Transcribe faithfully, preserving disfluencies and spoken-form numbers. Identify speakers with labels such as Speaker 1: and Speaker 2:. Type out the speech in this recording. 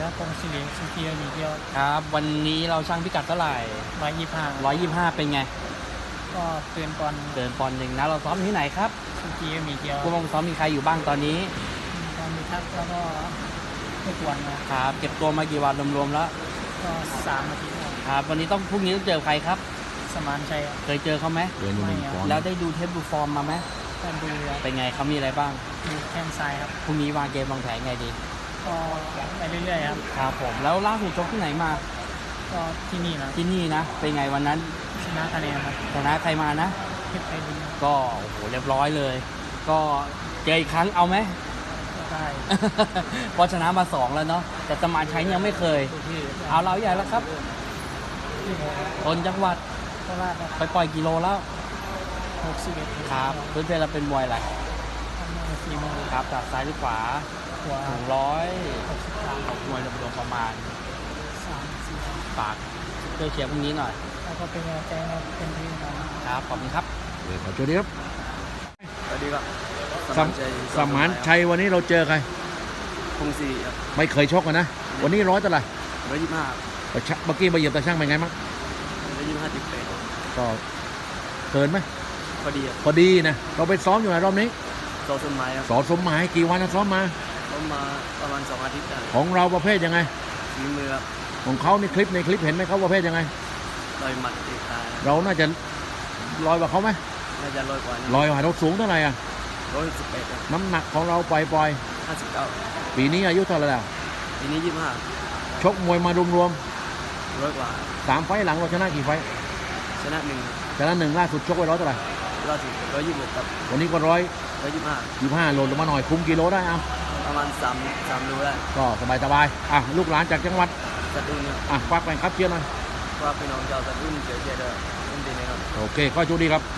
Speaker 1: ครับกงศิริสุขีมีเดียว
Speaker 2: ครับวันนี้เราช่างพิกัดเท่าไหร่
Speaker 1: ร้อยยี่สิบห้า
Speaker 2: ร้อยยี่สิบห้าเป็นไง
Speaker 1: ก็เตือนก่อน
Speaker 2: เดินปอนหนึ่งนะเราซ้อมที่ไหนครับ
Speaker 1: สุขีมีเดียว
Speaker 2: ผู้บังคับซ้อมมีใครอยู่บ้างตอนนี้
Speaker 1: ก็มีทักแล้วก็ทุกวัน
Speaker 2: นะครับเก็บตัวมากี่วันรวมๆแล้ว
Speaker 1: ก็สามอาทิตย์
Speaker 2: ครับวันนี้ต้องพรุ่งนี้ต้องเจอใครครับ
Speaker 1: สมานชัย
Speaker 2: เคยเจอเขาไหม
Speaker 3: เดือนหนึ่ง
Speaker 2: แล้วได้ดูเทปดูฟอร์มมาไหม
Speaker 1: ก็ดู
Speaker 2: เป็นไงเขามีอะไรบ้าง
Speaker 1: ดูแข้งซ้ายครับ
Speaker 2: พรุ่งนี้วางเกมวางแผนไงดี
Speaker 1: ก็ไปเรื่อยๆครับ
Speaker 2: ครับผมแล้วล่าสุดชกที่ไหนมา
Speaker 1: ก็ที่นี่นะ
Speaker 2: ที่นี่นะเป็นไงวันนั้น
Speaker 1: ชนะคะแนนครับ
Speaker 2: ชนะใครมานะ
Speaker 1: เพชรไพลิน
Speaker 2: ก็โอ้โหเรียบร้อยเลยก็เจออีกครั้งเอาไหม
Speaker 1: ได้
Speaker 2: เพราะชนะมาสองแล้วเนาะแต่สมานชัยยังไม่เคยเอาเราใหญ่แล้วครับคนจังหวัด
Speaker 1: โคราช
Speaker 2: ไปปล่อยกิโลแล้ว
Speaker 1: หกสิบเอ็ด
Speaker 2: ครับเพื่อนๆเราเป็นมวยอะไร
Speaker 1: สี่โมง
Speaker 2: ครับจากซ้ายหรือขวา
Speaker 1: ขวา
Speaker 2: ถึงร้อย
Speaker 1: หกสิบสาม
Speaker 2: มวยรวมๆประมาณ
Speaker 1: สามสี่
Speaker 2: ฝากช่วยเชียร์พรุ่งนี้หน่อย
Speaker 1: แล้วก็เป็นกำลังใจให้เป็นที่
Speaker 2: ครับขอบคุณครับ
Speaker 3: ขอโทษดีครับ
Speaker 4: สวัสดีครับ
Speaker 3: สมสมานชัยวันนี้เราเจอใคร
Speaker 4: พงศรีครับ
Speaker 3: ไม่เคยชกกันนะวันนี้ร้อยเท่าไหร่
Speaker 4: ร้อยยี่สิบห้า
Speaker 3: เมื่อกี้มาเหยียบตาช่างเป็นไงมั้ง
Speaker 4: ร้อยยี่สิบห้าจุดแปด
Speaker 3: ก็เกินไหม
Speaker 4: พอดี
Speaker 3: พอดีนะเราไปซ้อมอยู่ไหนรอบนี้
Speaker 4: สอสมหมายครับ
Speaker 3: สอสมหมายกี่วันนะซ้อมมา
Speaker 4: ซ้อมมาประมาณสองอาทิตย์
Speaker 3: ของเราประเภทยังไง
Speaker 4: ฝีมือครับ
Speaker 3: ของเขาในคลิปในคลิปเห็นไหมเขาประเภทยังไง
Speaker 4: ลอยหมัดตีตา
Speaker 3: เราน่าจะลอยกว่าเขาไหม
Speaker 4: น่าจะลอยกว่า
Speaker 3: ลอยกว่าเราสูงเท่าไหร่อ่ะ
Speaker 4: ร้อยสิบแปด
Speaker 3: น้ำหนักของเราปล่อยปล่อย
Speaker 4: ห้าสิบเก้า
Speaker 3: ปีนี้อายุเท่าไหร่แล้ว
Speaker 4: ปีนี้ยี่สิบห้า
Speaker 3: ชกมวยมารวม
Speaker 4: ร้อยกว่า
Speaker 3: สามไฟหลังเราชนะกี่ไฟ
Speaker 4: ชนะหนึ่ง
Speaker 3: ชนะหนึ่งล่าสุดชกไว้ร้อยเท่าไหร่
Speaker 4: ล่าสุดร้อยยี่สิบหกครับ
Speaker 3: วันนี้ก็ร้อย
Speaker 4: ร้อยยี่สิบห้า
Speaker 3: ยี่สิบห้าโลลงมาหน่อยคุมกิโลได้อ่ะ
Speaker 4: ประมาณสามสามโลได้
Speaker 3: ก็สบายสบายอ่ะลูกหลานจากจังหวัด
Speaker 4: สตูล
Speaker 3: อ่ะฝากไปครับเชียร์หน่อย
Speaker 4: ว่าพี่น้องชาวสตูลเชียร์เชียร์ด้วยยินดีนะครับ
Speaker 3: โอเคก็โชคดีครับ